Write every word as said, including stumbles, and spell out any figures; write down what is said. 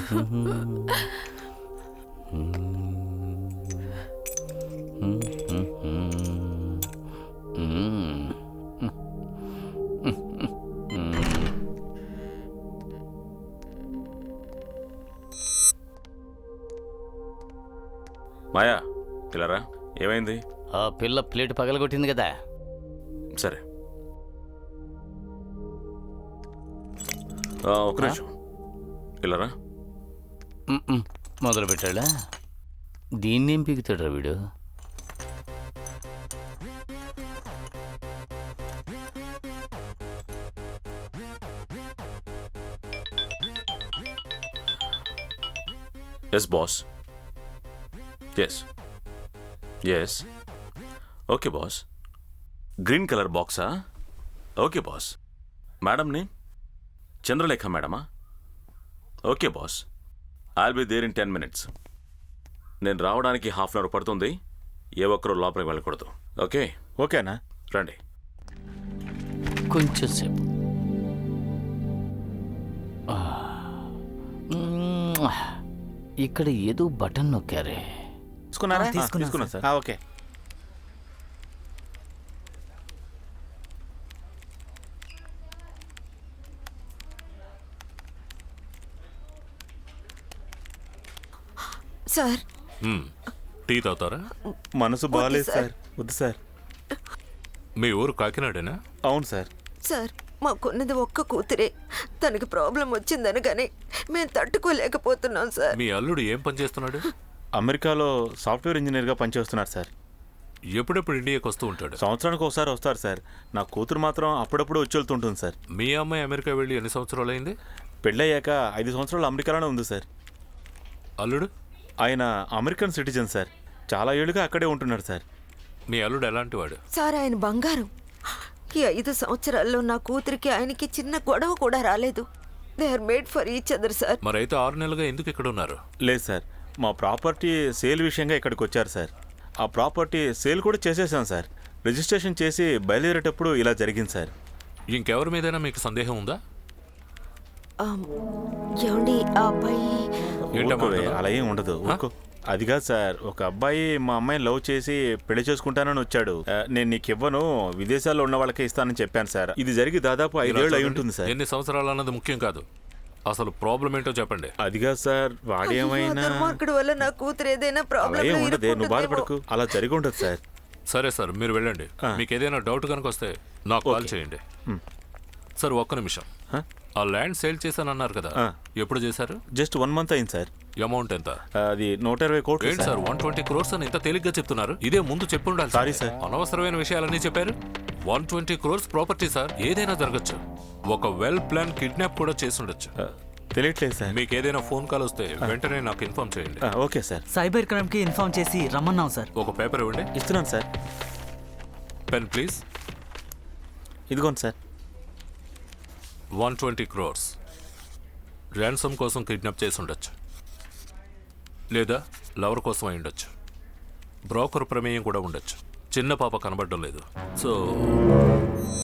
మాయా పిల్లరా, ఏమైంది? ఆ పిల్ల ప్లేట్ పగలగొట్టింది కదా. సరే ఒక నిమిషం పిల్లరా. మొదలు పెట్టాడా? దీన్నేం పీకుతాడు వీడు? Yes boss. Yes yes okay boss. Green colour బాక్సా? Okay boss. మేడంని చంద్రలేఖ మేడమా? Okay boss. I'll be there in ten minutes. నేను రావడానికి హాఫ్ అన్ అవర్ పడుతుంది. ఏ ఒక్కరూ లోపలికి వెళ్ళకూడదు. ఓకే? ఓకేనా? రండి. కొంచెం సేపు. ఇక్కడ ఏదో బటన్ నొక్కారే. తీసుకున్నారా? తీసుకున్నా సార్. ఓకే సార్, టీ తాగుతారా? మనసు బాగాలేదు సార్. వద్దు సార్. మీ ఊరు కాకినాడేనా? అవును సార్. సార్ మాకున్నది ఒక్క కూతురే. తనకి ప్రాబ్లం వచ్చిందని కానీ మేము తట్టుకోలేకపోతున్నాం సార్. మీ అల్లుడు ఏం పని చేస్తున్నాడు? అమెరికాలో సాఫ్ట్వేర్ ఇంజనీర్గా పనిచేస్తున్నారు సార్. ఎప్పుడెప్పుడు ఇండియాకి వస్తూ ఉంటాడు? సంవత్సరానికి ఒకసారి వస్తారు సార్. నా కూతురు మాత్రం అప్పుడప్పుడు వచ్చి వెళ్తుంటుంది సార్. మీ అమ్మాయి అమెరికా వెళ్ళి ఎన్ని సంవత్సరాలు అయింది? పెళ్ళయ్యాక ఐదు సంవత్సరాలు అమెరికాలోనే ఉంది సార్. అల్లుడు? ఆయన అమెరికన్ సిటిజన్ సార్. చాలా ఏళ్ళుగా అక్కడే ఉంటున్నారు సార్. మీ అల్లుడు ఎలాంటి వాడు? సార్ ఆయన బంగారం. ఈ ఐదు సంవత్సరాల్లో నా కూతురికి ఆయనకి చిన్న గొడవ కూడా రాలేదు. They are made for each other sir. మరైతే ఆరు నెలలుగా ఎందుకు ఇక్కడ ఉన్నారు? లేదు సార్, మా ప్రాపర్టీ సేల్ విషయంగా ఇక్కడికి వచ్చారు సార్. ఆ ప్రాపర్టీ సేల్ కూడా చేసేసాం సార్. రిజిస్ట్రేషన్ చేసి బయలుదేరేటప్పుడు ఇలా జరిగింది సార్. ఇంకెవరి మీదైనా మీకు సందేహం ఉందా? ఏమండి ఆ అబ్బాయి? అలా ఏం ఉండదు. అదిగా సార్, ఒక అబ్బాయి మా అమ్మాయిని లవ్ చేసి పెళ్లి చేసుకుంటానని వచ్చాడు. నేను నీకు ఇవ్వను, విదేశాల్లో ఉన్న వాళ్ళకే ఇస్తానని చెప్పాను సార్. ఇది జరిగి దాదాపు ఐదేళ్ళు అయి ఉంటుంది సార్. ఎన్ని సంవత్సరాలు అన్నది ముఖ్యం కాదు, అసలు ప్రాబ్లం ఏంటో చెప్పండి. అదిగా సార్, వాడేమైనా వల్ల నా కూతురు ఏదైనా ప్రాబ్లం ఉండదు. నువ్వు బాధపడకు, అలా జరిగి ఉండదు సార్. సరే సార్, మీరు వెళ్ళండి. మీకు ఏదైనా డౌట్ కనుక వస్తే నాకు కాల్ చేయండి. సార్ ఒక్క నిమిషం. ఆ ల్యాండ్ సేల్ చేశానన్నారు కదా, ఎప్పుడు చేశారు? జస్ట్ వన్ మంత్ అయింది సార్. అమౌంట్ ఎంత? అది నూట ఇరవై కోట్లు. ఏంటి సార్ వన్ ట్వంటీ క్రోర్స్ అని ఇంత తేలిగ్గా చెప్తున్నారు? ఇదే ముందు చెప్పు ఉండాలి. సారీ సార్, అనవసరమైన విషయాలన్నీ చెప్పారు. One twenty crores property sir, ఏదైనా జరగచ్చు. ఒక వెల్ ప్లాన్ కిడ్నాప్ కూడా చేసి ఉండొచ్చు. తెలియట్లేదు సార్. మీకు ఏదైనా ఫోన్ కాల్ వస్తే వెంటనే నాకు ఇన్ఫార్మ్ చేయండి. Okay sir. సైబర్ క్రైమ్ కి ఇన్ఫార్మ్ చేసి రమ్మన్నాం సార్. ఒక పేపర్ ఇవ్వండి. ఇస్తున్నాను సార్. Pen please. ఇదిగోండి sir. One twenty crores ransom కోసం కిడ్నాప్ చేసి ఉండొచ్చు, లేదా లవర్ కోసం అయి ఉండొచ్చు. బ్రోకర్ ప్రమేయం కూడా ఉండొచ్చు. చిన్న పాప కనబడడం లేదు. సో